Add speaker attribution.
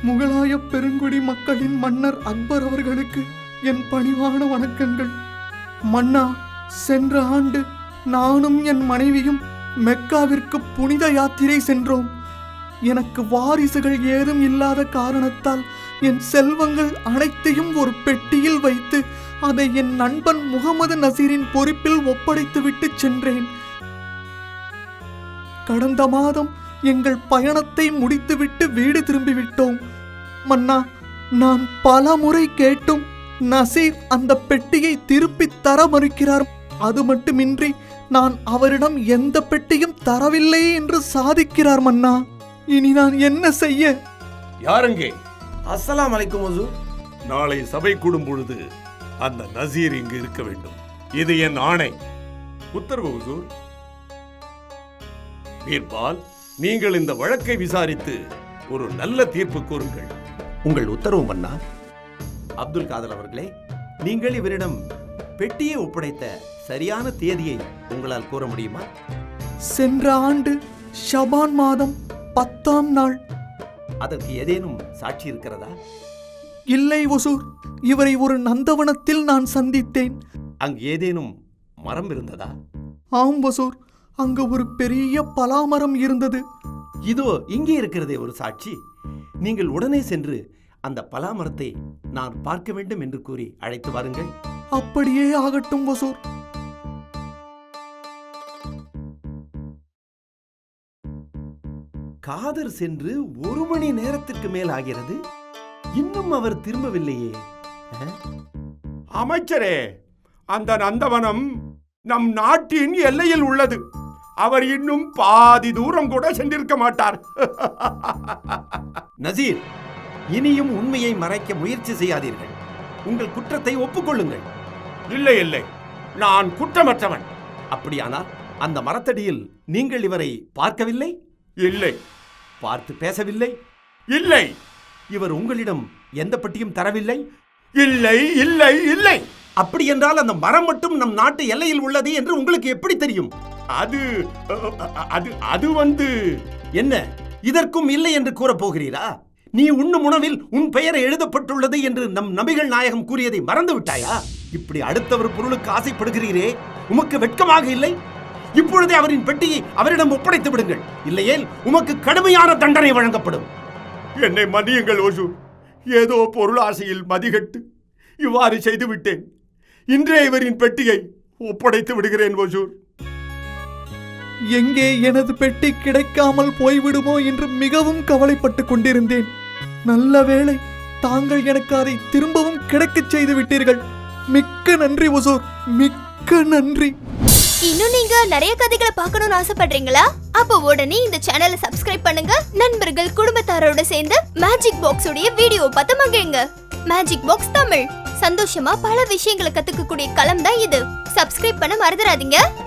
Speaker 1: முகலாய பெருங்குடி மக்களின் மன்னர் அக்பர் அவர்களுக்கு என் பணிவான வணக்கங்கள். மன்னா, சென்ற ஆண்டு நானும் என் மனைவியும் மெக்காவிற்கு புனித யாத்திரை சென்றோம். எனக்கு வாரிசுகள் ஏதும் இல்லாத காரணத்தால் என் செல்வங்கள் அனைத்தையும் ஒரு பெட்டியில் வைத்து அதை என் நண்பன் முகமது நசீரின் பொறுப்பில் ஒப்படைத்துவிட்டு சென்றேன். கடந்த மாதம் எங்கள் பயணத்தை முடித்துவிட்டு வீடு திரும்பிவிட்டோம். மன்னா, நான் பல முறை கேட்டும் நசீர் அந்த பெட்டியை திருப்பித் தர மறுக்கிறார். அது மட்டுமின்றி நான் அவரிடம் எந்த பெட்டியும் தரவில்லை என்று சாதிக்கிறார். மன்னா, இனி நான் என்ன செய்ய?
Speaker 2: யாருங்கே?
Speaker 3: அஸ்ஸலாம் அலைக்கும் ஹுசூர்.
Speaker 2: நாளை சபை கூடும் பொழுது அந்த நசீர் இங்கு இருக்க வேண்டும். இது என் ஆணை. உத்தரவு ஹுசூர். பீர்பால், நீங்கள் இந்த வழக்கை விசாரித்து ஒரு நல்ல தீர்ப்பு கூறுங்கள்.
Speaker 3: உங்கள் உத்தரவு மன்னா. அப்துல் காதர் அவர்களே, நீங்கள் இவரிடம் பெட்டியை ஒப்படைத்த சரியான தேதியை உங்களால் கூற முடியுமா?
Speaker 1: சென்ற ஆண்டு ஷபான் மாதம் 10ஆம் நாள்.
Speaker 3: அதற்கு ஏதேனும் சாட்சி இருக்கிறதா?
Speaker 1: இல்லை ஒசூர், இவரை ஒரு நந்தவனத்தில் நான் சந்தித்தேன்.
Speaker 3: அங்கு ஏதேனும் மரம் இருந்ததா?
Speaker 1: ஆம் ஒசூர், அங்கு ஒரு பெரிய பலாமரம் இருந்தது.
Speaker 3: இதோ இங்கே இருக்கிறதே ஒரு சாட்சி. நீங்கள் உடனே சென்று அந்த பலாமரத்தை நான் பார்க்க வேண்டும் என்று கூறி அழைத்து வாருங்கள்.
Speaker 1: அப்படியே ஆகட்டும் ஒசூர்.
Speaker 3: காதர் சென்று 1 மணி நேரத்திற்கு மேல் ஆகிறது. இன்னும் அவர் திரும்பவில்லையே.
Speaker 4: அமைச்சரே, அந்த நந்தவனம் நம் நாட்டின் எல்லையில் உள்ளது. அவர் இன்னும் பாதி தூரம் கூட சென்றிருக்க மாட்டார்.
Speaker 3: நசீர், இனியும் உண்மையை மறைக்க முயற்சி செய்யாதீர்கள். உங்கள் குற்றத்தை ஒப்புக்கொள்ளுங்கள்.
Speaker 4: இல்லை இல்லை, நான் குற்றமற்றவன்.
Speaker 3: அப்படியானால் அந்த மரத்தடியில் நீங்கள் இவரை பார்க்கவில்லை?
Speaker 4: இல்லை.
Speaker 3: பார்த்து பேசவில்லை?
Speaker 4: இல்லை.
Speaker 3: இவர் உங்களிடம் எந்த பெட்டியும் தரவில்லை?
Speaker 4: இல்லை இல்லை இல்லை.
Speaker 3: அப்படி என்றால் அந்த மரம் மட்டும் நம் நாட்டு எல்லையில் உள்ளது என்று உங்களுக்கு எப்படி தெரியும்?
Speaker 4: அது அது அது வந்து
Speaker 3: என்ன, இதற்கும் இல்லை என்று கூறப் போகிறீரா? நீ உண்ணும் உணவில் உன் பெயர் எழுதப்பட்டுள்ளது என்று நம் நபிகள் நாயகம் கூறியதை மறந்து விட்டாயா? இப்படி அடுத்தவர் பொருளுக்கு ஆசைப்படுகிறீரே, உமக்கு வெட்கமாக இல்லை? இப்பொழுதே அவரின் பெட்டியை அவரிடம் ஒப்படைத்து விடுங்கள். இல்லையேல் உமக்கு கடுமையான தண்டனை வழங்கப்படும்.
Speaker 4: என்னை மன்னியுங்கள் ஓசூர். ஏதோ பொருளாசையில் மதிகட்டு இவ்வாறு செய்து விட்டேன். இன்றே இவரின் பெட்டியை ஒப்படைத்து விடுகிறேன் ஓசூர்.
Speaker 1: எங்கே எனது பெட்டி கிடைக்காமல் போய்விடுமோ என்று மிகவும் கவலைப்பட்டு கொண்டிருந்தேன். நல்ல வேளை, தாங்கள் எனக்கு அதை திரும்பவும் கிடைக்கச் செய்து விட்டீர்கள். மிக்க நன்றி ஒசூர், மிக்க நன்றி.
Speaker 5: இன்னும் நீங்க நிறைய கதைகளை பார்க்கணும்னு ஆசைப்படுறீங்களா? அப்போ உடனே இந்த சேனலை சப்ஸ்கிரைப் பண்ணுங்க. நண்பர்கள் குடும்பத்தாரோட சேர்ந்து மேஜிக் பாக்ஸ் உடைய வீடியோ பார்த்து மகிழுங்க. மேஜிக் பாக்ஸ் தமிழ், சந்தோஷமா பல விஷயங்களை கத்துக்கக்கூடிய களம் தான் இது. சப்ஸ்கிரைப் பண்ண மறந்துடாதீங்க.